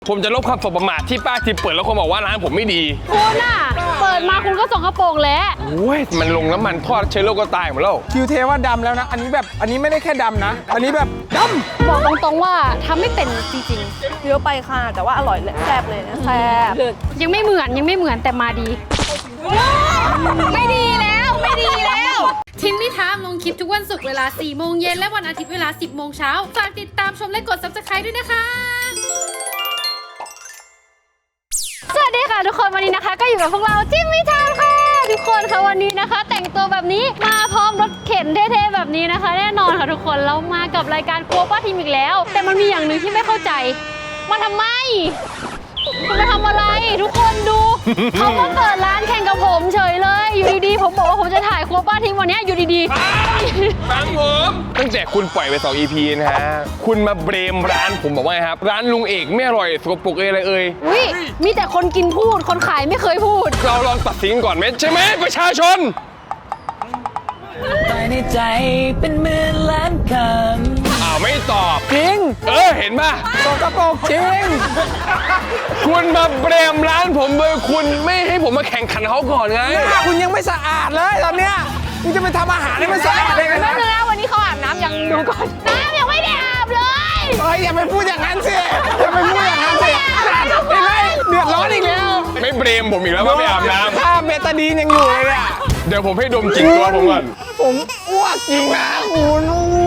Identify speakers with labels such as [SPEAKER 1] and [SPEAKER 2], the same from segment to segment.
[SPEAKER 1] ผมจะลบความสบประมาทที่ป้าทิพย์เปิดแล้วคนบอกว่าร้านผมไม่ดี
[SPEAKER 2] คุณน่ะเปิดมาคุณก็ส่งกระโปรงแล้ว
[SPEAKER 1] โอ้ยมันลงน้ำมันทอดเชื้อโรคก็ตายหมดแล้ว
[SPEAKER 3] คิวเทว่าดำแล้วนะอันนี้ไม่ได้แค่ดำนะอันนี้แบบดำ
[SPEAKER 2] บอกตรงๆว่าทำไม่เป็นจริง
[SPEAKER 4] เยอะไปค่ะแต่ว่าอร่อยเลยแซ่บเลยนะแซ่บ
[SPEAKER 2] ๆยังไม่เหมือนแต่มาดีไม่ดีแล้ว
[SPEAKER 5] ทิมมี่ทามลงคลิปทุกวันศุกร์เวลา 4 โมงเย็นและวันอาทิตย์เวลา 10 โมงเช้าฝากติดตามชมและกด Subscribe ด้วยนะคะ
[SPEAKER 2] สวัสดีค่ะทุกคนวันนี้นะคะก็อยู่กับพวกเราทิมมี่ทามค่ะทุกคนค่ะวันนี้นะคะ แต่งตัวแบบนี้มาพร้อมรถเข็นเท่ๆแบบนี้นะคะแน่นอนค่ะทุกคนเรามากับรายการครัวป้าทิมอีกแล้วแต่มันมีอย่างหนึ่งที่ไม่เข้าใจมาทำไมคุณมาทำอะไรทุกคนดู เขามาเปิดร้านแข่งกับผมเฉยเลยอยู่ดีๆผมบอกว่าผมจะถ่ายครัวป้าทิมวันนี้อยู่ดี
[SPEAKER 1] ๆฟังผมตั้งแต่คุณปล่อยไป2 EP นะฮะคุณมาเบรมร้านผมบอกว่าไงครับร้านลุงเอกไม่อร่อยสกปรกอะไร
[SPEAKER 2] อุ้ยมีแต่คนกินพูดคนขายไม่เคยพูด
[SPEAKER 1] เราลองตัดสินก่อนไหมใช่ไหมประชาชน
[SPEAKER 6] ภายในใจเป็นหมื่นล้านคำ
[SPEAKER 1] ไม่ตอบ
[SPEAKER 3] จริง
[SPEAKER 1] เห็นป่ะ
[SPEAKER 3] สกปรกจริง
[SPEAKER 1] คุณมาเบรมร้านผมโดยคุณไม่ให้ผมมาแข่งขันเขาก่อนไง
[SPEAKER 3] คุณยังไม่สะอาดเลยตอนเนี้ยคุณจะไปทำอาหารให้มันสะอาดได้ไงนะ
[SPEAKER 2] วันนี้เขาอาบน้ำยังดูก่อนน้ำยังไม่ได้อาบเลย
[SPEAKER 3] อย่าไปพูดอย่างนั้นสิอย่าไปพูดอย่างนั้นสิเห็นไหมเดือดร้อนอีกแล้ว
[SPEAKER 1] ไม่เบรมผมอีกแล้วว่าไม่อาบน้ำ
[SPEAKER 3] ถ้าเบตาดีนยังอยู่เลยอ่ะ
[SPEAKER 1] เดี๋ยวผมให้ดมกลิ่นตัวผมก่อน
[SPEAKER 3] ผมอ้วกจริงนะคุณ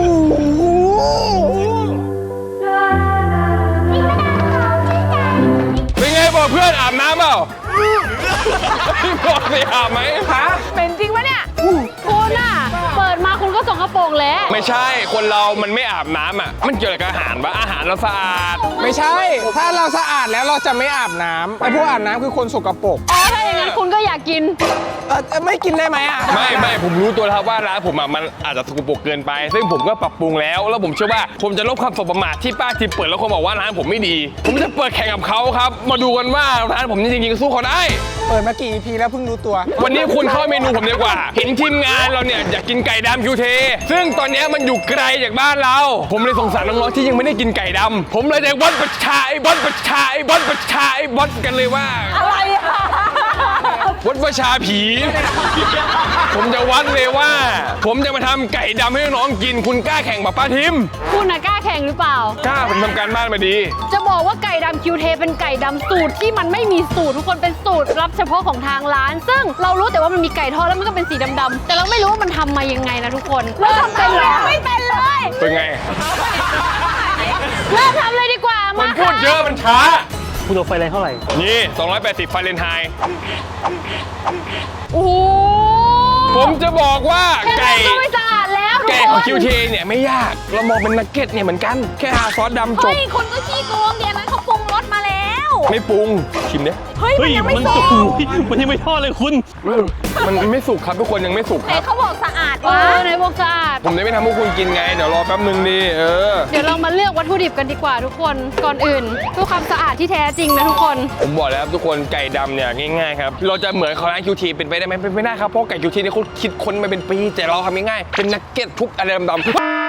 [SPEAKER 1] เป็นไงบอกเพื่อนอาบน้ำเปล่าบอกสิอาบไหม
[SPEAKER 2] เป็นจริงปะเนี่ยคุณน่ะเปิดมาคุณก็ส่งกระโปรงแล้ว
[SPEAKER 1] ไม่ใช่คนเรามันไม่อาบน้ำอ่ะมันเกี่ยวกับอาหารปะอาหารเราสะอาด
[SPEAKER 3] ไม่ใช่ถ้าเราสะอาดแล้วเราจะไม่อาบน้ำไอ้พวกอาบน้ำคือคนสกปรก
[SPEAKER 2] ถ้าอย่างนั้นคุณก็อยากกิน
[SPEAKER 3] ไม่กินได้ไหมอ่ะ
[SPEAKER 1] ไม่ผมรู้ตัวแล้วว่าร้านผมมันอาจจะสกปรกเกินไปซึ่งผมก็ปรับปรุงแล้วผมเชื่อว่าผมจะลบความสบประมาทที่ป้าทิพย์เปิดแล้วคนบอกว่าร้านผมไม่ดีผมจะเปิดแข่งกับเขาครับมาดูกันว่าร้านผมจริงๆสู้เขาได้
[SPEAKER 3] เปิดมากี่ EP แล้วเพิ่งรู้ตัว
[SPEAKER 1] วันนี้คุณเข้าเมนูผมดีกว่าเห็นทีมงานเราเนี่ยอยากกินไก่ดำคิวเทซึ่งตอนนี้มันอยู่ไกลจากบ้านเราผมเลยสงสารน้องๆที่ยังไม่ได้กินไก่ดำผมเลยจะวัดประชากันเลยว่า
[SPEAKER 2] อะไร
[SPEAKER 1] วัดประชาผีผมจะวัดเลยว่าผมจะมาทำไก่ดำให้น้องกินคุณกล้าแข่งกับป้าทิม
[SPEAKER 2] คุณน่ะกล้าแข่งหรือเปล่าก
[SPEAKER 1] ล้าผมทำการบ้านมาดี
[SPEAKER 2] จะบอกว่าไก่ดำคิวเทเป็นไก่ดำสูตรที่มันไม่มีสูตรทุกคนเป็นสูตรลับเฉพาะของทางร้านซึ่งเรารู้แต่ว่ามันมีไก่ทอดแล้วมันก็เป็นสีดำๆแต่เราไม่รู้ว่ามันทำมายังไงนะทุกคนเริ่มเป็นเลยไม่เป็นเลย
[SPEAKER 1] เป็นไง
[SPEAKER 2] เริ่มทำเลยดีกว่า
[SPEAKER 1] มันพูดเยอะมันช้า
[SPEAKER 6] คุณเอาไฟแรงเท่าไหร่
[SPEAKER 1] นี่280ไฟเรนไฮต์
[SPEAKER 2] โอ้
[SPEAKER 1] ผมจะบอกว่าไก่
[SPEAKER 2] ไม่สะอาดแล้ว
[SPEAKER 1] แกะของคิวเทเนี่ยไม่ยากเรามองเป็นนักเก็ตเนี่ยเหมือนกันแค่ทาซอสดำจบ
[SPEAKER 2] คนก็ขี้โกงเดี๋ยวนั้นเขาปรุงรสมาแล้ว
[SPEAKER 1] ไม่ปรุงชิมเนี่ย
[SPEAKER 2] เฮ้ยมันยังไม่สุก
[SPEAKER 6] มันยังไม่ทอดเลยคุณ
[SPEAKER 1] มันไม่สุกครับทุกคนยังไม่สุกครับ
[SPEAKER 2] เขาบอกสะอาดวะในบอกสะอาด
[SPEAKER 1] ผมจะไม่ทำให้คุณกินไงเดี๋ยวรอแป๊บนึงดิ
[SPEAKER 2] เดี๋ยวเรามาเลือกวัตถุดิบกันดีกว่าทุกคนก่อนอื่นเพื่อความสะอาดที่แท้จริงนะทุกคน
[SPEAKER 1] ผมบอกแล้วครับทุกคนไก่ดำเนี่ยง่ายๆครับเราจะเหมือนของร้านคิวทีเป็นไปได้ไหมเป็นไม่ได้ครับเพราะไก่คิวทีเนี่ยเขาคิดค้นมาเป็นปีแต่เราทำง่ายๆเป็นนักเก็ตทุกอะไรดำ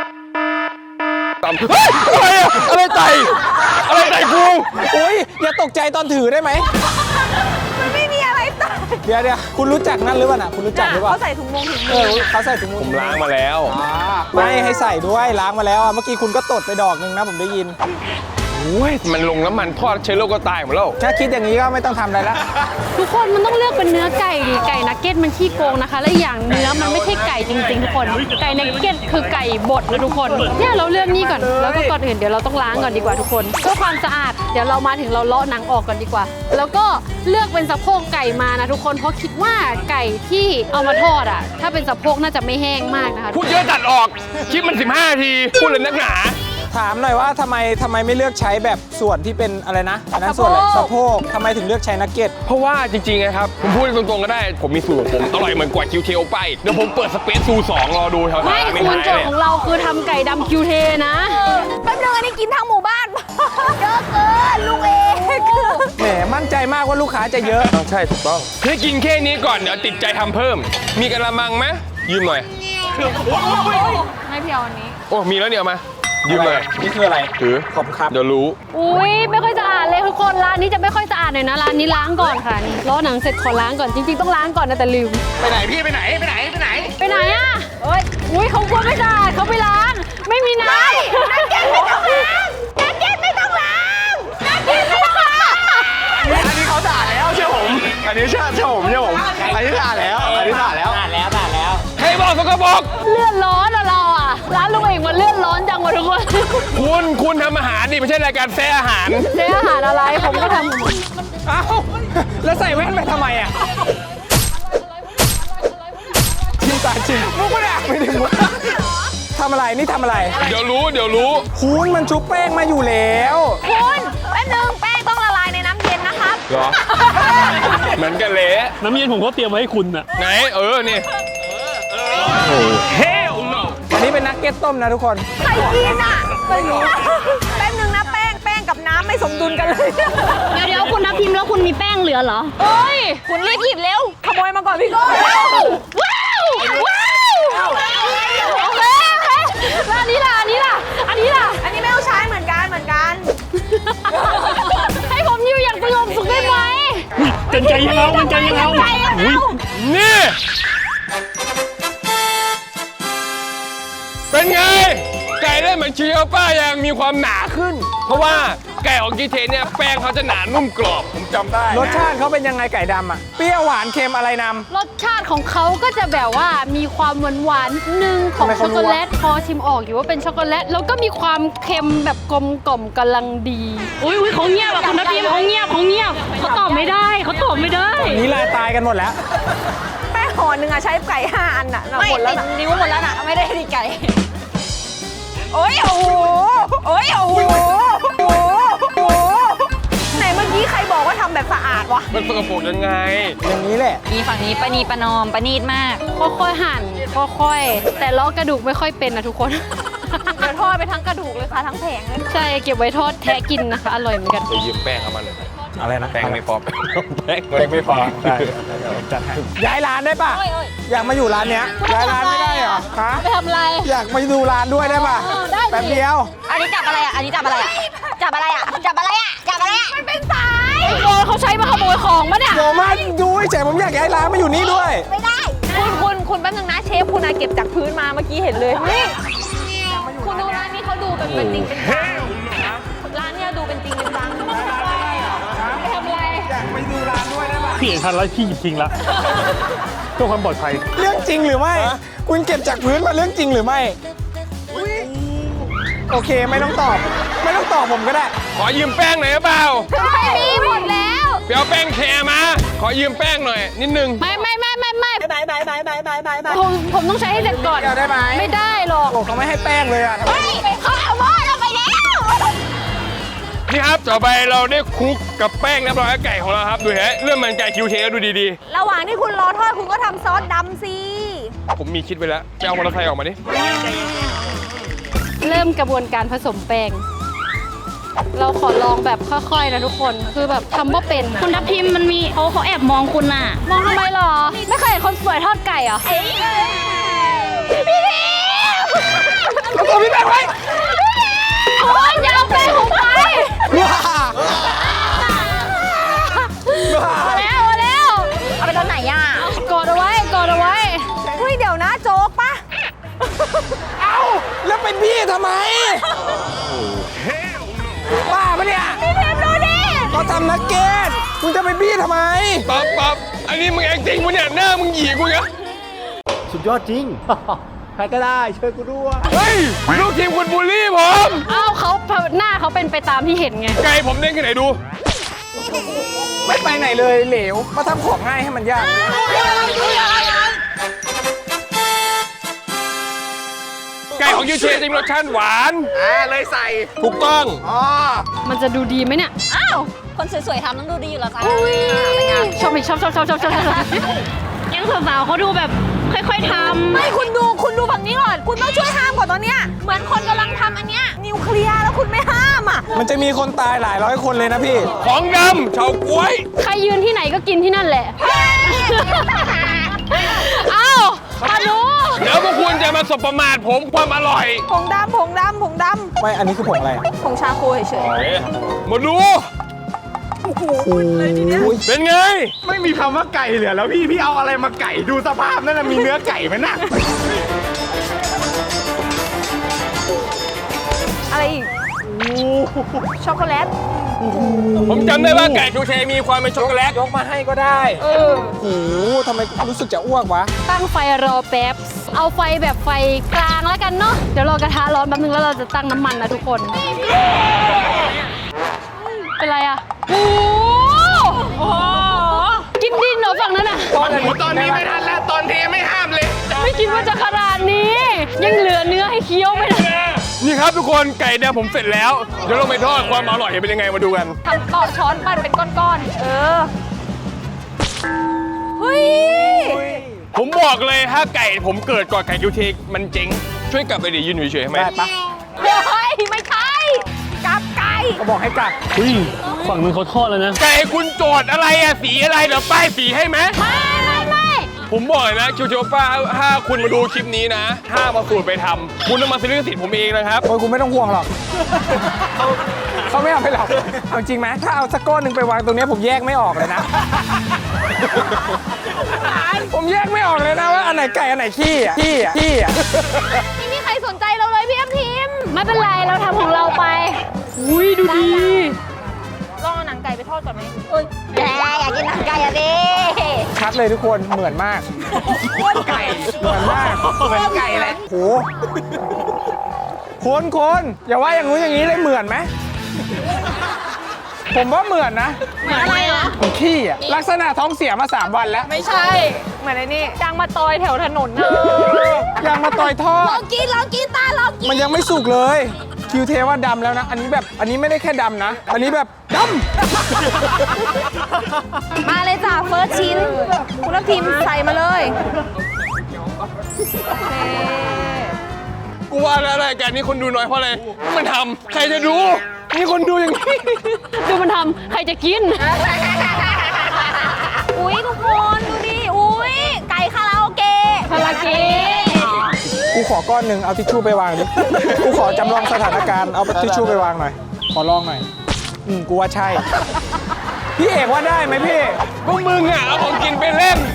[SPEAKER 1] อะไรไต่กู
[SPEAKER 3] โอ้ยอย่าตกใจตอนถือได้ไหม
[SPEAKER 4] มันไม่มีอะไรต่าง
[SPEAKER 3] เดี๋ยวคุณรู้จักนั่นหรือเปล่าคุณรู้จักหรือเปล่า
[SPEAKER 4] เขาใส่ถุงมือ
[SPEAKER 3] เขาใส่ถุงมือ
[SPEAKER 1] ผมล้างมาแล้ว
[SPEAKER 3] ไม่ให้ใส่ด้วยล้างมาแล้วเมื่อกี้คุณก็ตดไปดอกนึงนะผมได้ยิน
[SPEAKER 1] มันลงน้ำมันทอดเชื้อโรคก็ตายหมดแล้ว
[SPEAKER 3] ถ้าคิดอย่างนี้ก็ไม่ต้องทำอะไรละ
[SPEAKER 2] ทุกคนมันต้องเลือกเป็นเนื้อไก่ดิไก่นักเก็ตมันขี้โกงนะคะและอย่างเนื้อมันไม่ใช่ไก่จริงๆทุกคนไก่นักเก็ตคือไก่บดนะทุกคนเนี่ยเราเลือกนี่ก่อนแล้วก็ก่อนอื่นเดี๋ยวเราต้องล้างก่อนดีกว่าทุกคนเพื่อความสะอาดเดี๋ยวเรามาถึงเราเลาะหนังออกก่อนดีกว่าแล้วก็เลือกเป็นสะโพกไก่มานะทุกคนเพราะคิดว่าไก่ที่เอามาทอดอ่ะถ้าเป็นสะโพกน่าจะไม่แห้งมากนะคะ
[SPEAKER 1] พูดเยอะตัดออกคลิปมัน15 นาทีพูดเลยนักหนา
[SPEAKER 3] ถามหน่อยว่าทำไมไม่เลือกใช้แบบส่วนที่เป็นอะไรนะอันนั้นส่วนอะไรสะโพกทำไมถึงเลือกใช้นักเก็ต
[SPEAKER 1] เพราะว่าจริงๆนะครับผมพูดตรงๆก็ได้ผมมีสูตรของผมอร่อยเหมือนกว่าคิวเทลไปเดี๋ยวผมเปิดสเปซซู2รอดูแถวๆ
[SPEAKER 2] ไม่คุณโจทย์ของเราคือทำไก่ดำคิวเทนะ
[SPEAKER 4] แป๊บนึงอันนี้กินทั้งหมู่บ้านเยอะเกินลูกเอง
[SPEAKER 3] แหมมั่นใจมากว่าลูกค้าจะเยอะ
[SPEAKER 1] ใช่ถูกต้องให้กินแค่นี้ก่อนเดี๋ยวติดใจทำเพิ่มมีกระมังไหมยืมหน่อย
[SPEAKER 2] ให้พี่เอาอันนี้
[SPEAKER 1] โอ้มีแล้วเนี่ยมายืมเลย
[SPEAKER 3] นี่คืออะไร
[SPEAKER 1] ถือ
[SPEAKER 3] ขอบคุณครับ
[SPEAKER 1] เดี๋ยวรู้
[SPEAKER 2] อุ้ยไม่ค่อยสะอาดเลยทุกคนร้านนี้จะไม่ค่อยสะอาดเลยนะร้านนี้ล้างก่อนค่ะนี่ล้อหนังเสร็จขอล้างก่อนจริงๆต้องล้างก่อนนะแต่ลืม
[SPEAKER 3] ไปไหนพี่ไปไหน
[SPEAKER 2] ไปไหนอ่ะเอ้ยอุ้ยเขากลัวไม่สะอาดเขาไปล้าง ไม่มีน้ำ
[SPEAKER 4] นักเก็ตไม่ต้องล้างนักเก็ตไม่ต้องล้างนักเก็ตไม่ต้องล้าง
[SPEAKER 3] อันนี้เขาด่าแล้วเชื่อผม อันนี้เชื่อผมอันนี้ด่าแล้วด่าแล้ว
[SPEAKER 1] ใครบอกสกปรก
[SPEAKER 2] เลือดร้อนอะเราอะร้านลุงเองมันเลือดร้อนจังวะทุกคน
[SPEAKER 1] คุณทำอาหารดิไม่ใช่รายการแซ่อาหาร
[SPEAKER 2] ใช้อาหารอะไรผมก็ทำ
[SPEAKER 3] เอ้าแล้วใส่แว่นไปทำไมอ่ะชิมตาชิมมุกไม่ได้ไม่ได้มุกทำอะไรนี่ทำอะไร
[SPEAKER 1] เดี๋ยวรู้
[SPEAKER 3] คุณมันชุบแป้งมาอยู่แล้ว
[SPEAKER 4] คุณแป๊บนึงแป้งต้องละลายในน้ำเย็นนะครับ
[SPEAKER 1] เหรอ เหมือนกันเละ
[SPEAKER 6] น้ำเย็นผมก็เตรียมไว้ให้คุณน่ะ
[SPEAKER 1] ไหนนี่
[SPEAKER 3] อันนี้เป็นนักเก็ตต้มนะทุกคน
[SPEAKER 4] ใครกินอ่ะแป๊บนึงนะแป้งกับน้ำไม่สมดุลกันเลย
[SPEAKER 2] เดี๋ยวคุณทับทิมแล้วคุณมีแป้งเหลือเหรอ
[SPEAKER 4] เฮ้ย คุณรีบหยิบเร็ว ขโมยมาก่อนพี่โก้
[SPEAKER 2] ว้าวโอเคแล้วอันนี้ล่ะ อันนี้ล่ะ
[SPEAKER 4] อันนี้ไม่ต้องใช้เหมือนกัน
[SPEAKER 2] ให้ผมอยู่อย่างสงบสุขได้ไหม
[SPEAKER 6] กันใจยังเอากันใจยังเอาอุ๊ย
[SPEAKER 1] นี่ เป็นไง ไก่ได้เหมือนชิโอป้ายังมีความหนาขึ้น เพราะว่าไก่ของกีเทเนี่ยแป้งเขาจะหนานุ่มกรอบผมจำได้
[SPEAKER 3] รสชาติเขาเป็นยังไงไก่ดำอ่ะ เปรี้ยวหวานเค็มอะไรน
[SPEAKER 2] รสชาติของเขาก็จะแบบว่ามีความหวานๆหนึ่งของ
[SPEAKER 3] ทำไม
[SPEAKER 2] ช็
[SPEAKER 3] เขา
[SPEAKER 2] อก
[SPEAKER 3] รู้
[SPEAKER 2] โก
[SPEAKER 3] วะ
[SPEAKER 2] แลตพอชิมออกอยู่ว่าเป็นช็อกโกแลตแล้วก็มีความเค็มแบบกลมกล่อมกำลังดีอุ้ยเขาเงียบอะคุณทัพทิมเขาเงียบเขาตอบไม่ได้เขาตอบไม่ได้
[SPEAKER 3] ำนี้ลายตายกันหมดแล้ว
[SPEAKER 4] แป้งห่อหนึ่งอะใช้ไก่5 อันอะ
[SPEAKER 2] ไม่
[SPEAKER 4] หมดแล้ว
[SPEAKER 2] ติ
[SPEAKER 4] นะ
[SPEAKER 2] ดนิ้วหมดแล้วน่ะไม่ได้ดีไก่
[SPEAKER 4] โอ้ยโอ้โหไหนเมื่อกี้ใครบอกว่าทำแบบสะอาดวะ
[SPEAKER 1] มันสกปรกยังไง
[SPEAKER 3] อย่างนี้แหละ
[SPEAKER 7] มีฝั่งนี้ประนีประนอมประนีตมาก
[SPEAKER 2] ค่อยๆหั่นค่อยๆแต่ล้อกระดูกไม่ค่อยเป็นนะทุกคน
[SPEAKER 4] เดี๋ยวทอดไปทั้งกระดูกเลยค่ะทั้งแผงเลย
[SPEAKER 2] ใช่เก็บไว้ทอดแทะกินนะคะอร่อยเหมือนกัน
[SPEAKER 1] ไปยืมแป้งเขามาหน่อย
[SPEAKER 3] อะไรนะ
[SPEAKER 1] แป้งไม่พอแป้ง
[SPEAKER 3] ไม่พอได้จัดให้ย้ายร้านได้ป่ะ อยากมาอยู่ร้านเนี้ยย้ายร้านไม่ได้เหรอฮะ
[SPEAKER 2] ไปทำอะไร
[SPEAKER 3] อยากมาดูร้านด้วยได้ป่ะ
[SPEAKER 2] ได้สิ
[SPEAKER 3] แป๊บเดียว
[SPEAKER 7] อันนี้จับอะไรอ่ะ อันนี้จับอะไรอ่ะ จับอะไรอ่ะ จับอะไรอ่ะ จับอะไรอ่ะ
[SPEAKER 4] มันเป็นสาย
[SPEAKER 2] โดนเขาใช้มาขโมยของปะเนี่ย
[SPEAKER 3] ผมมาดูเฉยผมอยากย้ายร้านมาอยู่นี่ด้วย
[SPEAKER 4] ไม่ได้ คุณแป๊บนึงนะเชฟคุณอะเก็บจากพื้นมาเมื่อกี้เห็นเลยนี่คุณดูร้านนี้เขาดูเป็นจริงเป็นจังร้านเนี้ยดูเป็นจริงเป็นจัง
[SPEAKER 2] ไปทำอะไร
[SPEAKER 3] อยากไปดูร้านด้วยได้ป่ะ
[SPEAKER 6] พี่เห็นทันแล้วพี่หยิบทิ้งละเพื่อความปลอดภัย
[SPEAKER 3] เรื่องจริงหรือไม่ คุณเก็บจากพื้นมาเรื่องจริงหรือไม่ โอเคไม่ต้องตอบ ไม่ต้องตอบผมก็ได้
[SPEAKER 1] ขอยืมแป้งหน่อยหรือเปล่า
[SPEAKER 2] ไม่มีหมดแล้ว
[SPEAKER 1] ไปเอาแป้งแคร์มา ขอยืมแป้งหน่อย นิดนึง
[SPEAKER 2] ไม่ผมต้องใช้ให้เสร็จก่อน
[SPEAKER 3] เดี๋ยวได้ไหม
[SPEAKER 2] ไม่ได้หรอก
[SPEAKER 3] โอ้เขาไม่ให้แป้งเลยอ่ะทำไม
[SPEAKER 4] เขาเอาหม้อเราไปแล้ว
[SPEAKER 1] นี่ครับต่อไปเราได้คลุกกับแป้งเรียบร้อยแล้วไก่ของเราครับ ดูฮะเรื่องมันไก่คิวเทก็ดูดี
[SPEAKER 4] ระหว่างที่คุณรอทอดคุณก็ทำซอสดำสิ
[SPEAKER 1] ๆ ผมมีคิดไว้แล้วไปเอามอเตอร์ไซค์ออกมาดิ
[SPEAKER 2] เริ่มกระบวนการผสมแป้ง เราขอลองแบบค่อยๆนะทุกคน คือแบบทำว่าเป็นคุณทัพทิมมันมีเขาแอบมองคุณน่ะ มองทำไมหรอ ไม่เคยเห็นคนสวยทอดไก่เหรอ
[SPEAKER 4] พี่ที
[SPEAKER 3] แล้วตัวพี่แป้งไว้
[SPEAKER 2] โอ้ยอย่าเอาแป้งผมไป
[SPEAKER 3] ว้า
[SPEAKER 2] เอาแล้ว
[SPEAKER 4] เอาไปตอนไหนอ่ะ
[SPEAKER 2] กดเอาไว้
[SPEAKER 4] เฮ้ยเดี๋ยวนะโจ๊กปะ
[SPEAKER 3] เอ้าแล้วเป็นพี่ทำไมบ้าปะเนี่ย
[SPEAKER 4] พี่เทมดูดิ
[SPEAKER 3] เขาทำนักเก็ตคุณจะเป็นพี่ทำไม
[SPEAKER 1] ป๊อปอันนี้มึงแอคติ้งมึงเนี่ยหน้ามึงหยีกูเนี่ย
[SPEAKER 6] สุดยอดจริง ใครก็ได้ช่วยกูด้วย
[SPEAKER 1] เฮ้ย ลูกทีมคุณบูลลี่ผม
[SPEAKER 2] เอ้าเขาหน้าเขาเป็นไปตามที่เห็นไง
[SPEAKER 1] ไก่ผมเด้งขึ้นไหนดู
[SPEAKER 3] ไม่ไปไหนเลยเหลว มาทำของง่ายให้มันยาก
[SPEAKER 1] ไก่ของยูเชจะมีรสชาติหวาน
[SPEAKER 3] เลยใส่
[SPEAKER 1] ถูกต้อง
[SPEAKER 3] อ๋อ
[SPEAKER 2] มันจะดูดีไหมเนี่ย
[SPEAKER 7] อ้าว คนสวยๆทำต้องดูดีอยู่แล้วจ้า
[SPEAKER 2] ชอบอีกชอบยังสาวๆเขาดูแบบค่อยๆทำ
[SPEAKER 4] ไม่คุณดูฝั่งนี้ก่อน คุณต้องช่วยห้ามก่อนตอนเนี้ย เหมือนคนกำลังทำอันเนี้ยนิวเคลียร์แล้วคุณไม่ห้ามอ่ะ
[SPEAKER 3] มันจะมีคนตายหลายร้อยคนเลยนะพี่
[SPEAKER 1] ของดำเฉาก๊วย
[SPEAKER 2] ใครยืนที่ไหนก็กินที่นั่นแหละ เอ้ามาดู
[SPEAKER 1] เดี๋ยวพวกคุณจะมาสบประมาทผมความอร่อย
[SPEAKER 4] ผงดำผงดำผงด
[SPEAKER 3] ไม่ อันนี้คือผงอะไรอะ
[SPEAKER 4] ำผงชาโคเฉย
[SPEAKER 1] มาดู
[SPEAKER 3] โอ้ย
[SPEAKER 1] เป็นไง
[SPEAKER 8] ไม่มีคำว่าไก่เหลือแล้วพี่เอาอะไรมาไก่ดูสภาพนั่นนะมีเนื้อไก่ไหมน่ะ
[SPEAKER 4] ๆอะไรอีกช็อกโกแลต
[SPEAKER 1] ผมจำได้ว่าไก่ชูเชมีความเป็นช็อกโกแลต
[SPEAKER 3] ยกมาให้ก็ได้โอ้โหทำไมรู้สึกจะอ้วกวะ
[SPEAKER 2] ตั้งไฟรอแป๊บ เอาไฟแบบไฟกลางแล้วกันเนาะ เดี๋ยวรอกระทะร้อนแป๊บนึงแล้วเราจะตั้งน้ำมันนะทุกคน เป็นไรอะโอ้โหกินดินเหรอฝั่งนั้นอะ
[SPEAKER 1] ตอนนี้ไม่ทันแล้วตอนเทไม่ห้ามเลย
[SPEAKER 2] ไม่คิดว่าจะขนาดนี้ ยังเหลือเนื้อให้เคี้ยวไหมนะ
[SPEAKER 1] นี่ครับทุกคนไก่แดงผมเสร็จแล้ว เดี๋ยวลงไปทอดความอร่อยเป็นยังไงมาดูกัน
[SPEAKER 4] ทำต่อช้อนปั้นเป็นก้อนๆ เฮ้ย
[SPEAKER 1] ผมบอกเลยถ้าไก่ผมเกิดก่อนไก่ชูเชมันเจ๊งช่วยกลับไปดิยืนอยู่เฉยๆให้ไหม
[SPEAKER 3] ได้ปะ
[SPEAKER 4] เฮ้ย ไม่ใช่กับไก่
[SPEAKER 3] ก็บอกให้กลับ
[SPEAKER 6] ฝั่งนึงเขาทอดแล้วนะ
[SPEAKER 1] ไก่คุณโจทย์อะไรอะสีอะไรเดี๋ยวป้ายสีให้ไหม
[SPEAKER 2] ไม่
[SPEAKER 1] ผมบอกเลยนะคิวเจป้าถ้าคุณมาดูคลิปนี้นะถ้ามาสูตรไปทำคุณต้องมาซื้อลิขสิทธิ์ผมเองนะครับ
[SPEAKER 3] โอ้ยกูไม่ต้องห่วงหรอก เขาไม่เอาไปหรอกเอาจริงไหมถ้าเอาสักก้อนหนึ่งไปวางตรงเนี้ยผมแยกไม่ออกเลยนะ ผมแยกไม่ออกเลยนะว่าอันไหนไก่อันไหนขี้อ่ะขี้อ่ะ
[SPEAKER 4] ไม่มีใครสนใจเราเลยพี่แอมทีม
[SPEAKER 2] ไม่เป็นไรเราทำของเราไป อุ้ยดูดี
[SPEAKER 4] ลองเอาหนังไก่ไปทอดก่อนไหม
[SPEAKER 7] แหมอยากกินหนังไก่อะดิ
[SPEAKER 3] ชัดเลยทุกคนเหมือนมากไก่เหมือนมากเหมือนไก่แหละโหคนอย่าว่าอย่างงู้นอย่างนี้เลยเหมือนไหมผมว่าเหมือนนะ
[SPEAKER 4] เหมือนอะไรนะ
[SPEAKER 3] เหมือนขี้อ่ะลักษณะท้องเสียมา3 วันแล้ว
[SPEAKER 4] ไม่ใช่ เหมือนไอ้นี่จางมาตอยแถวถนนนะ
[SPEAKER 3] ยางมาต่อยทอ
[SPEAKER 4] ลอ
[SPEAKER 3] ด
[SPEAKER 4] งกินตาลองกิน
[SPEAKER 3] มันยังไม่สุกเลยคิวเทว่าดำแล้วนะ อันนี้ไม่ได้แค่ดำนะ อันนี้แบบด
[SPEAKER 4] มาเลยจ้าเฟิร์สชิ้น คุณทัพทีมใส่มาเลยนี่
[SPEAKER 1] กูว่าแล้วรายการนี้คนดูน้อยเพราะอะไรมันทำใครจะดูนี่คนดูอย่างนี้
[SPEAKER 2] ดูมันทำใครจะกิน
[SPEAKER 4] อุ้ยทุกคนดูดิ อุ้ยไก่คาราโอเกะ
[SPEAKER 2] คาราเกะ
[SPEAKER 3] ำกูขอก้อนหนึ่งเอาทิชชู่ไปวางดิ กูขอจำลองสถานการณ์เอาทิชชู่ไปวางหน่อย ขอลองหน่อย กูว่าใช่ พี่เอกว่าได้ไหมพี่
[SPEAKER 1] พวกมึงอ่ะเอาของกินไปเล่น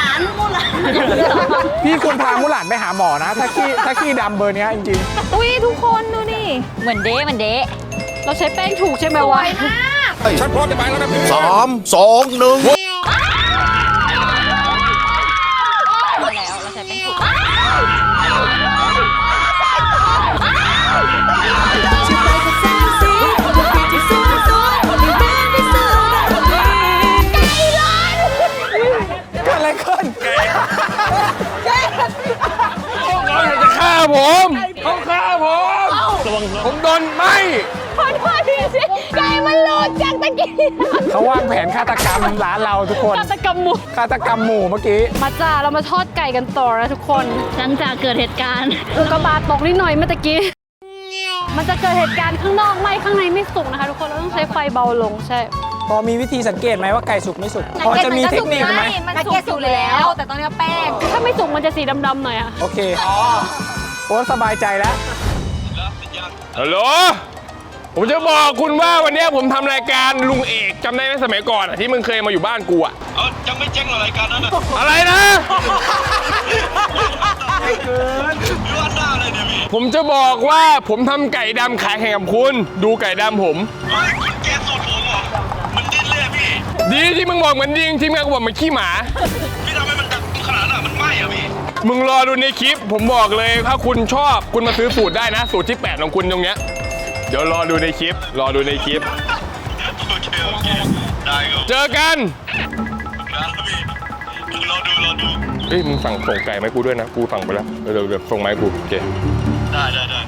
[SPEAKER 3] พี่ควรพามุหลานไปหาหมอนะ ถ้าขี้ดำเบอร์เนี้ยจริง
[SPEAKER 4] อุ้ยทุกคนดูนี่
[SPEAKER 7] เหมือนเด้เหมือนเด้
[SPEAKER 2] เราใช้แป้งถูกใช่ไหม
[SPEAKER 4] สว
[SPEAKER 2] วะ
[SPEAKER 4] ยมาก
[SPEAKER 1] ฉันพร้อมจะไปแล้วนะพี่
[SPEAKER 8] 3 2 1
[SPEAKER 7] แล้วเราใช้เป็นถุง
[SPEAKER 3] ๆเกิดอะไรขึ้น
[SPEAKER 1] เขาอยากจะฆ่าผมเขาฆ่าผมผมโดนไหม
[SPEAKER 2] ขอโทษทีสิไก่มันหลุดจากตะกี้
[SPEAKER 3] เขาวางแผนฆาตกรรมร้านเราทุกคน
[SPEAKER 2] ฆาตกรรมหมู
[SPEAKER 3] ฆาตกรรมหมู่เมื่อกี้
[SPEAKER 2] มาจ้าเรามาทอดไก่กันต่อนะทุกคนหลังจากเกิดเหตุการณ์อุกกาบาตตกนิดหน่อยเมื่อตะกี้ มันจะเกิดเหตุการณ์ข้างนอกไหมข้างในไม่สุกนะคะทุกคนเราต้องใช้ไฟเบาลงใช่
[SPEAKER 3] พอมีวิธีสังเกตไหมว่าไก่สุกไม่สุก พอจะมีเทคนิคไหม
[SPEAKER 4] มันสุกอยู่แล้ว แต่ตอนนี้แป้ง
[SPEAKER 2] ถ้าไม่สุกมันจะสีดำๆหน่อยอะ
[SPEAKER 3] โอเคโอ้สบายใจแล้ว
[SPEAKER 1] ฮัลโหลผมจะบอกคุณว่าวันนี้ผมทำรายการลุงเอกจำได้ไหมสมัยก่อนอะที่มึงเคยมาอยู่บ้านกูอะยังไม่เจ๊งหรอรายการนั้นอะไรนะผมจะบอกว่าผมทำไก่ดำขายแข่งกับคุณ ดูไก่ดำผมคุณแกสูตรผมเหรอมันดิ้นเลยพี่ดีที่มึงบอกเหมือนดิงทีมงานกูบอกเหมือนขี้หมาพี่ทำให้มันดังขนาดนั้นมันไหม้อะพี่มึงรอดูในคลิปผมบอกเลยถ้าคุณชอบคุณมาซื้อสูตรได้นะ สูตรที่ 8 ของคุณตรงเนี้ยเดี๋ยวรอดูในคลิปโอเคได้ครับเจอกันรอดูเฮ้ยมึงสั่งส่งไก่ไหมาให้กูด้วยนะกูสั่งไปแล้วเดี๋ยวส่งมาให้กูโอเคได้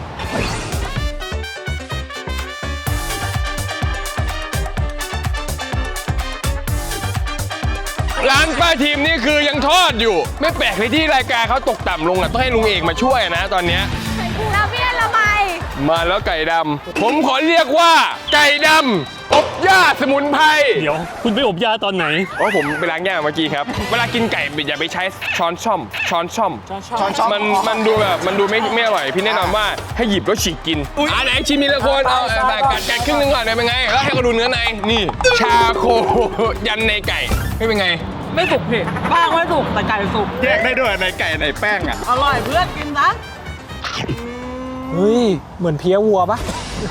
[SPEAKER 1] ร้านป้าทีมนี่คือยังทอดอยู่ ไม่แปลกเลยที่รายการเขาตกต่ำลงอ่ะต้องให้ลุงเอกมาช่วยนะตอนเนี้ย
[SPEAKER 4] แล้วพี่ละไม
[SPEAKER 1] มาแล้วไก่ดำผมขอเรียกว่าไก่ดำอบย่าสมุนไพร
[SPEAKER 6] เดี๋ยวคุณไปอบยาตอนไหน
[SPEAKER 1] เพราะผมไปล้างย่าเมื่อกี้ครับ เวลากินไก่อย่าไปใช้ช้อนช่อม มันดูแบบมันดูไม่อร่อยพี่แนะนำว่าให้หยิบแล้วฉีกกินไหนชิมทีละคนเอากัดครึ่งนึงก่อนเป็นไงแล้วให้เขาดูเนื้อในนี่ชาโคยันในไก่ไม่เป็นไง
[SPEAKER 9] ไม่สุกพี่แป้งไม่สุกแต่ไก่สุก
[SPEAKER 8] แยกได้ด้วยในไก่ในแป้งอ่ะ
[SPEAKER 9] อร่อยเพื่อนกินนะ
[SPEAKER 3] เฮ้ย เหมือนเพี้ยวัวปะ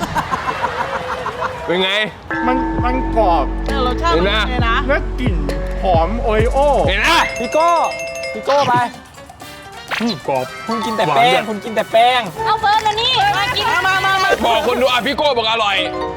[SPEAKER 1] เป็นไง
[SPEAKER 8] มันกรอบ
[SPEAKER 9] แต่รสชาติมันดีนะ
[SPEAKER 8] และกลิ่นหอมโอริโอ
[SPEAKER 1] เห็นนะ
[SPEAKER 3] พี่โก้ไป
[SPEAKER 6] กรอบ
[SPEAKER 3] คุณกินแต่
[SPEAKER 6] หวาน
[SPEAKER 3] แป้
[SPEAKER 6] ด้
[SPEAKER 3] ง
[SPEAKER 6] วย
[SPEAKER 3] คุณกินแต่แป้ง
[SPEAKER 7] เอาเฟิร์นมานี่ มากิน
[SPEAKER 9] มา
[SPEAKER 1] บอกคนดูพี่โก้บอกอร่อย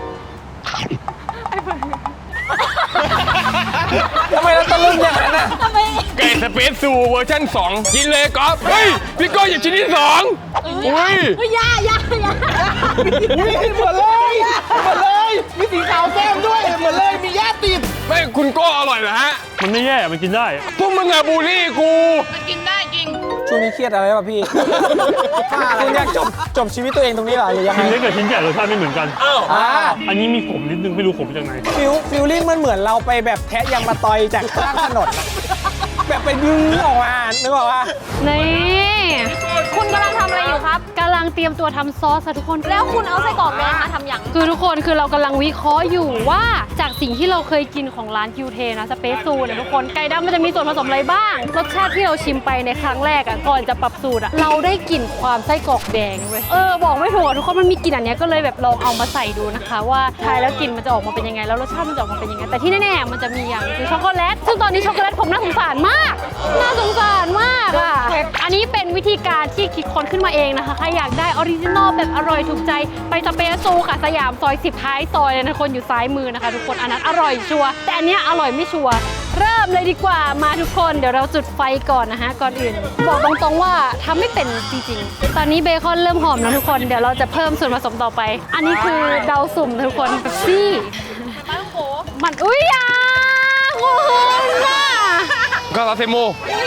[SPEAKER 3] ทำไมเราตะลึงอย่างนั้นน่ะ
[SPEAKER 1] ไก่สเปซซูเวอร์ชัน2 กินเลยก๊อฟเฮ้ย พี่โก้หยิบชิ้นที่2อุ้ย
[SPEAKER 7] อย่า
[SPEAKER 8] เหมือนเลย มีสีขาวแก้มด้วย เหมือนเลย มีย่าติด
[SPEAKER 1] ไม่คุณโก้อร่อยเหรอฮะ
[SPEAKER 6] มันไม่แย่มันกินได้
[SPEAKER 1] พวกมึงอะบูลลี่กู
[SPEAKER 3] ช่วงนี้เครียดอะไรป่ะพี่ คุณอยากจบชีวิตตัวเองตรงนี้เหรอหรือยังไง
[SPEAKER 6] ชิ้นเล็กกับชิ้นใหญ่รสชาติไม่เหมือนกัน
[SPEAKER 3] อ่า
[SPEAKER 6] อันนี้มีขมนิดนึงไม่รู้ขมจากไหน
[SPEAKER 3] ฟิลลิ่งมันเหมือนเราไปแบบแทะยางมาตอยจากข้างถนนอะแบบไปดึงออกมานึกออกปะ
[SPEAKER 2] นี่
[SPEAKER 4] คุณกำลังทำอะไรอยู่ครับ
[SPEAKER 2] กำลังเตรียมตัวทำซอสค่ะทุกคน
[SPEAKER 4] แล้วคุณเอาไส้กรอกแดงมาทำอย่าง
[SPEAKER 2] คือทุกคนคือเรากำลังวิเคราะห์อยู่ว่าจากสิ่งที่เราเคยกินของร้านคิวเทนะสเปซซูเนี่ยทุกคนไก่ดำมันจะมีส่วนผสมอะไรบ้าง รสชาติที่เราชิมไปในครั้งแรกอ่ะก่อนจะปรับสูตรอ่ะเราได้กลิ่นความไส้กรอกแดงเว้ยบอกไม่ถูกอะทุกคนมันมีกลิ่นอันเนี้ยก็เลยแบบลองเอามาใส่ดูนะคะ ว่าทายแล้วกลิ่นมันจะออกมาเป็นยังไงแล้วรสชาติมันจะออกมาเป็นยังไงแต่ที่แน่ๆมันจะมีอย่างคือช็อกโกแลตซึ่งตอนนี้ช็อกโกแลตผมน่าสงสารมากน่าสงสารมากอ่ะอันนี้เป็นวิธีการที่คิดค้นขึ้นมาเองนะคะใครอยากได้ออริจินอลแบบอร่อยถูกใจไปสเปซซูค่ะสยามซอย10ท้ายซอยเลยนะคนอยู่ซ้ายมือนะคะทุกคนอันนั้นอร่อยชัวร์แต่อันเนี้ยอร่อยไม่ชัวร์เริ่มเลยดีกว่ามาทุกคนเดี๋ยวเราจุดไฟก่อนนะคะก่อนอื่น บอกตรงๆว่าทำไม่เป็นจริงๆตอนนี้เบคอนเริ่มหอมแล้วทุกคนเดี๋ยวเราจะเพิ่มส่วนผสมต่อไป อันนี้คือเดาสุ่มนะทุกคนเป๊ปซี่มันอุ้ยอ่ะคุณน่ะ
[SPEAKER 1] ก็ลาเซโม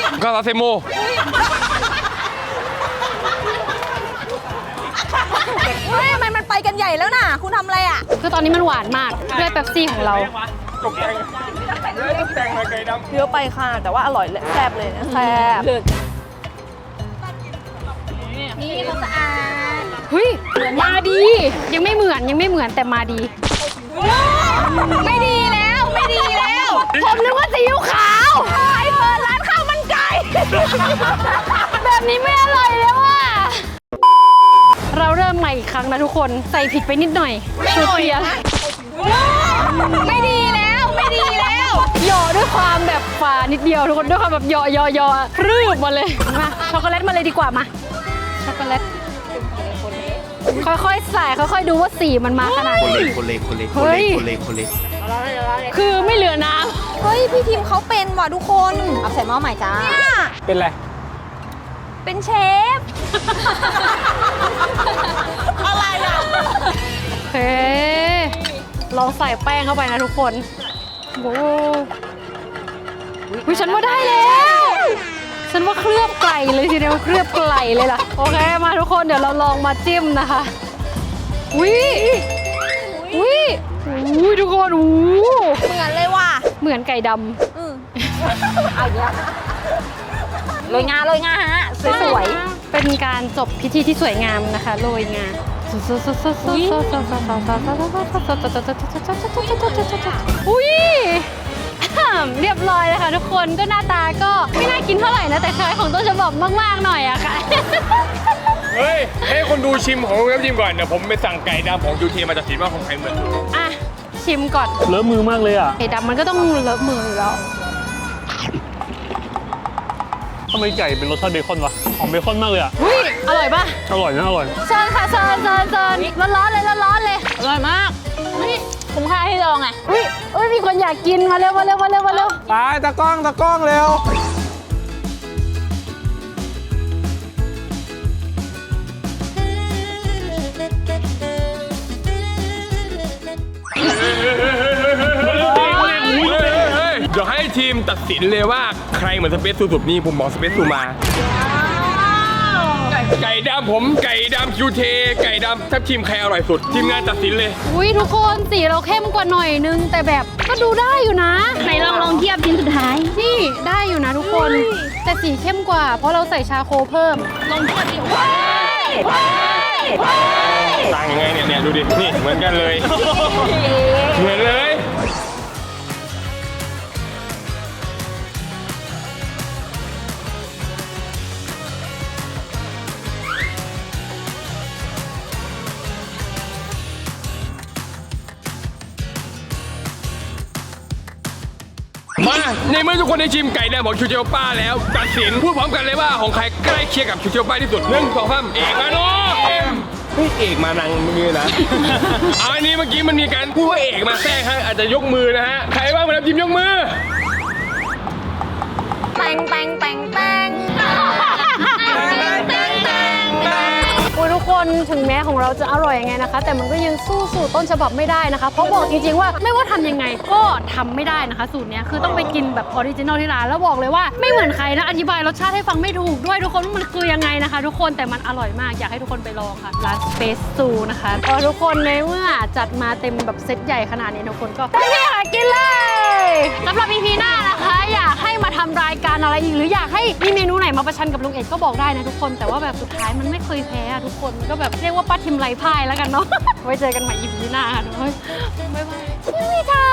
[SPEAKER 7] เฮ้ยทำไมมันไปกันใหญ่แล้วน่ะ คุณทำอะไรอ่ะ
[SPEAKER 2] คือตอนนี้มันหวานมากด้วยเป๊ปซี่ของเรา
[SPEAKER 4] เยอะไปค่ะ แต่ว่าอร่อยเลยแซ่บเลยนะแซ่บ
[SPEAKER 7] นี่เขาสะอาด
[SPEAKER 2] เฮ้ยมาดียังไม่เหมือนแต่มาดี
[SPEAKER 7] ไม่ดีแล้ว ไม่ดีแล้ว
[SPEAKER 2] ผมนึกว่าซีอิ๊วขาว
[SPEAKER 7] ไอ้เปิดร้านข้าวมันไก่
[SPEAKER 2] แบบนี้ไม่อร่อยแล้วอ่ะเราเริ่มใหม่อีกครั้งนะทุกคนใส่ผิดไปนิดหน่อยสูตรเปลี่ยน
[SPEAKER 7] ไม่ดีแล้ว ไม่ดีแล้ว
[SPEAKER 2] หยอด้วยความแบบฝานิดเดียวทุกคนด้วยความแบบหยอพรืบมาเลยมาช็อกโกแลตมาเลยดีกว่ามาช็อกโกแลตค่อยๆใส่ค่อยๆดูว่าสีมันมาขนาดไหนเฮ้ยคือไม่เหลือน้
[SPEAKER 7] เฮ้ย พี่พิมพ์เขาเป็นว่ะทุกคน เอาใส่หม้อใหม่จ้า
[SPEAKER 3] เป็นไร
[SPEAKER 7] เป็นเชฟ
[SPEAKER 4] อะไรอ่ะ
[SPEAKER 2] ำเฮ้ลองใส่แป้งเข้าไปนะทุกคนโอ้ยฉันว่าได้แล้วฉันว่าเคลือบไก่เลยทีเดียวเคลือบไก่เลยล่ะโอเคมาทุกคนเดี๋ยวเราลองมาจิ้มนะคะอุ้ยทุกคนอู้
[SPEAKER 7] เหมือนเลยว่ะ
[SPEAKER 2] เหมือนไก่ด
[SPEAKER 7] เอาอย่างเงี้ยโรยงาฮะ
[SPEAKER 2] ำ
[SPEAKER 7] สวย
[SPEAKER 2] เป็นการจบพิธีที่สวยงามนะคะโรยงาอุ้ยเรียบร้อยเลยค่ะทุกคนก็หน้าตาก็ไม่น่ากินเท่าไหร่นะแต่คล้ายของต้นฉบับมากๆหน่อยอะค่ะ
[SPEAKER 1] เฮ้ยให้คนดูชิมของเว็บชิมก่อนเดี๋ยวผมไปสั่งไก่ดำของยูทีมาจากสีว่าของใครเหมือน
[SPEAKER 2] อ่ะชิมก่อน
[SPEAKER 6] เลอะมือมากเลยอ่ะ
[SPEAKER 2] ไก่ดำมันก็ต้องเลอะมืออยู่แล้ว
[SPEAKER 6] ทำไมไก่เป็นรสชาติเบคอนวะหอมเบคอนมากเลยอ่ะ
[SPEAKER 2] อุ้ยอร่อยปะ
[SPEAKER 6] อร่อยนะอร่อย
[SPEAKER 2] เชิญค่ะเชิญร้อนๆเลย
[SPEAKER 4] อร่อยมากนี่คุ้มค่าที่ลองไง
[SPEAKER 2] อุ้ยมีคนอยากกินมาเร็ว
[SPEAKER 3] ไปตะกล้องเร็ว
[SPEAKER 1] เดี๋ยวให้ทีมตัดสินเลยว่าใครเหมือนสเปซซูสุดนี่ผมบอกสเปซซูมา
[SPEAKER 4] ไก่
[SPEAKER 1] ไก่ดำผมไก่ดำคิวเทไก่ดำทับทีมใครอร่อยสุดทีมงานตัดสินเลย
[SPEAKER 2] อุ้ยทุกคนสีเราเข้มกว่าหน่อยนึง แต่แบบก็ดูได้อยู่นะไหนลองเทียบชิ้นสุดท้ายนี่ได้อยู่นะทุกคน แต่สีเข้มกว่า เพราะเราใส่ชาโคเพิ่มลองเทียบดิ
[SPEAKER 1] ต่างยังไงเนี่ยดูดิ นี่เหมือนกันเลย เหมือนเลย มาในเมื่อทุกคนได้ชิมไก่แดงของชูเจียวป้าแล้วตัดสินพูดพร้อมกันเลยว่าของใครใกล้เคียงกับชูเจียวป้าที่สุด1 2 3เอกมาโนเฮ้ยเอกมานังเมื่อกี้นะ เอาอันนี้เมื่อกี้มันมีการพูดว่าเอกมาแทรกฮะอาจจะยกมือนะฮะใครบ้างมาทำทีมยกมือ
[SPEAKER 4] แตงแตงแตงแตง
[SPEAKER 2] อุ้ยทุกคนถึงแม้ของเราจะอร่อยยังไงนะคะ แต่มันก็ยังสู้สูตรต้นฉบับไม่ได้นะคะ เพราะบอกจริงๆว่าไม่ว่าทำยังไงก็ทำไม่ได้นะคะ สูตรเนี้ยคือต้องไปกินแบบออริจินอลที่ร้านแล้วบอกเลยว่าไม่เหมือนใครนะอธิบายรสชาติให้ฟังไม่ถูกด้วยทุกคนว่ามันคือยังไงนะคะ ทุกคนแต่มันอร่อยมากอยากให้ทุกคนไปลองค่ะร้าน Space Zoo นะคะทุกคนในเมื่อจัดมาเต็มแบบเซตใหญ่ขนาดนี้ทุกคนก็เต็มที่ค่ะกินเลยสำหรับ EP หน้านะคะอยากให้มาทำรายการอะไรอีกหรืออยากให้มีเมนูไหนมาประชันกับลุงเอกก็บอกได้นะทุกคนแต่ว่าแบบสุดท้ายมันไม่เคยแพ้อะทุกคนก็แบบเรียกว่าป้าทิมไรพ่ายแล้วกันเนาะ ไว้เจอกันใหม่ EP หน้าค่ะทุกคนบ๊ายบายชิมิทา